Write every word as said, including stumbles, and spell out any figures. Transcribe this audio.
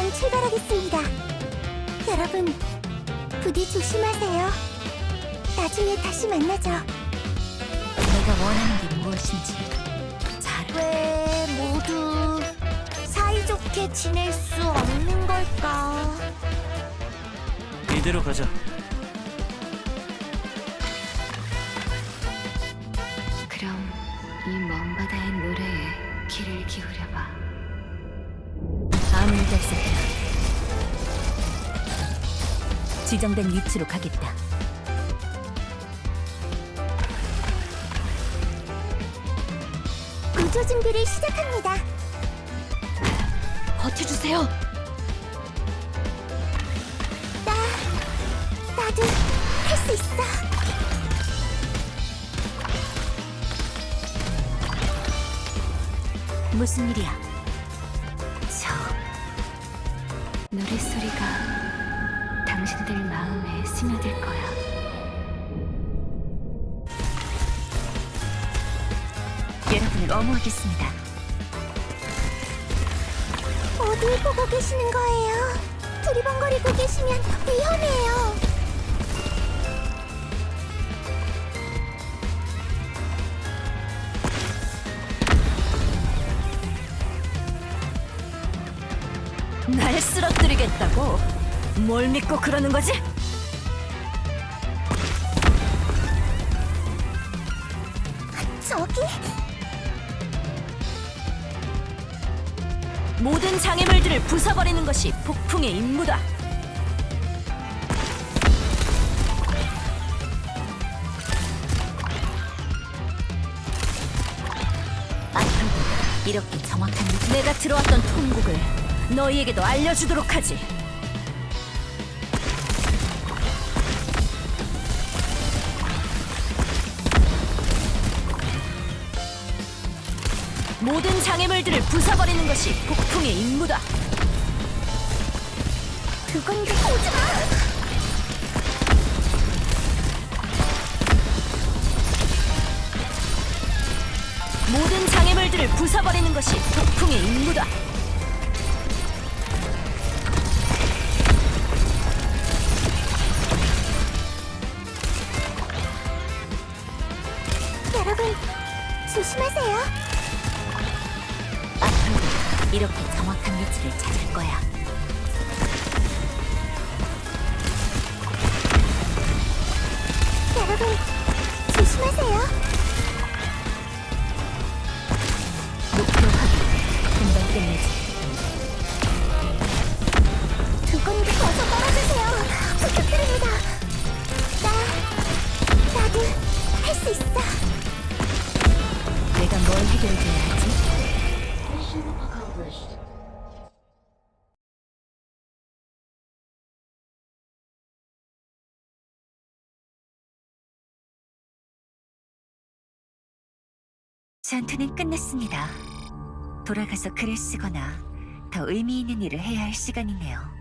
이만 출발하겠습니다. 여러분, 부디 조심하세요. 나중에 다시 만나죠. 내가 원하는 게 무엇인지 잘 왜 모두 사이좋게 지낼 수 없는 걸까? 이대로 가자. 그럼 이 먼 바다의 노래에 귀를 기울여봐. 암을 달성해라. 지정된 위치로 가겠다. 구조 준비를 시작합니다. 버텨주세요. 나, 나도 할 수 있어. 무슨 일이야? 저 노랫소리가 당신들 마음에 스며들 거야. 여러분을 어무하겠습니다. 어딜 보고 계시는 거예요? 두리번거리고 계시면 위험해요. 날 쓰러뜨리겠다고? 뭘 믿고 그러는 거지? 저기? 모든 장애물들을 부숴버리는 것이 폭풍의 임무다. 앞으로 이렇게 정확한 위- 내가 들어왔던 통곡을 너희에게도 알려주도록 하지. 모든 장애물들을 부숴버리는 것이 폭풍의 임무다. 그건데 오지 마! 모든 장애물들을 부숴버리는 것이 폭풍의 임무다. 여러분, 조심하세요. 앞으로 이렇게 정확한 위치를 찾을 거야. 여러분, 조심하세요. 목표 확인. 금방 끝내지. 두 군데 어서 떨어지세요. 부탁드립니다. 나, 나도 할 수 있어. 내가 뭘 해결해줘야 하지? 전투는 끝났습니다. 돌아가서 글을 쓰거나 더 의미 있는 일을 해야 할 시간이네요.